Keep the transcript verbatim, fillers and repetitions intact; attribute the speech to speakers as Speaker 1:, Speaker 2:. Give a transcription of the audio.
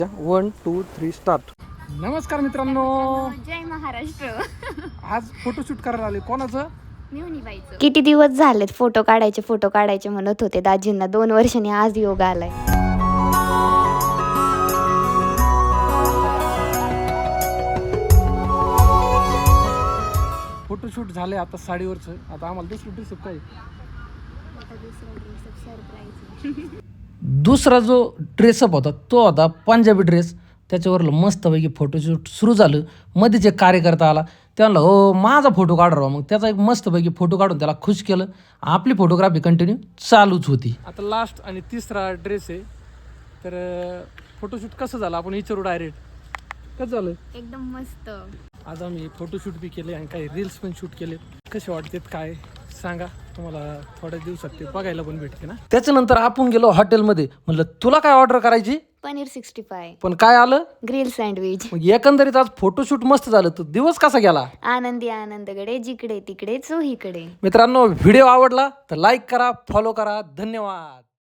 Speaker 1: One two three start. नमस्कार मित्रांनो,
Speaker 2: जय महाराष्ट्र.
Speaker 1: आज फोटोशूट करायला आले. कोणाचं?
Speaker 2: मिवनीबाईचं. किती दिवस झालेत फोटो काढायचे फोटो काढायचे म्हणत होते दाजींना. दोन वर्षांनी आज योग आलाय.
Speaker 1: फोटोशूट झाले आता साडीवरचं. आता आम्हाला दुसरं ड्रेस काय
Speaker 3: दुसरा जो ड्रेसअप होता तो होता पंजाबी ड्रेस. त्याच्यावर मस्तपैकी फोटोशूट सुरू झालं. मध्येच एक कार्यकर्ता आला, त्याला हो माझा फोटो काढ राव. मग त्याचा एक मस्तपैकी फोटो काढून त्याला खुश केलं. आपली फोटोग्राफी कंटिन्यू चालूच होती.
Speaker 1: आता लास्ट आणि तिसरा ड्रेस आहे. तर फोटोशूट कसं झालं आपण विचारू डायरेक्ट. कसं झालं?
Speaker 2: एकदम मस्त.
Speaker 1: आज आम्ही फोटोशूट बी केले आणि काही रील्स पण शूट केले. कसे वाटतात काय सांगा. तुम्हाला थोड्या दिवसात ते बघायला पण भेटते ना.
Speaker 3: त्याच्यानंतर आपण गेलो हॉटेलमध्ये. म्हणलं तुला काय ऑर्डर करायची?
Speaker 2: पनीर सिक्स्टी फाय,
Speaker 3: पण काय आलं?
Speaker 2: Grill sandwich.
Speaker 3: मग एकंदरीत आज फोटोशूट मस्त झालं. तो दिवस कसा गेला?
Speaker 2: आनंदी आनंदकडे, जिकडे तिकडे चोहीकडे.
Speaker 3: मित्रांनो, व्हिडिओ आवडला तर लाईक करा, फॉलो करा. धन्यवाद.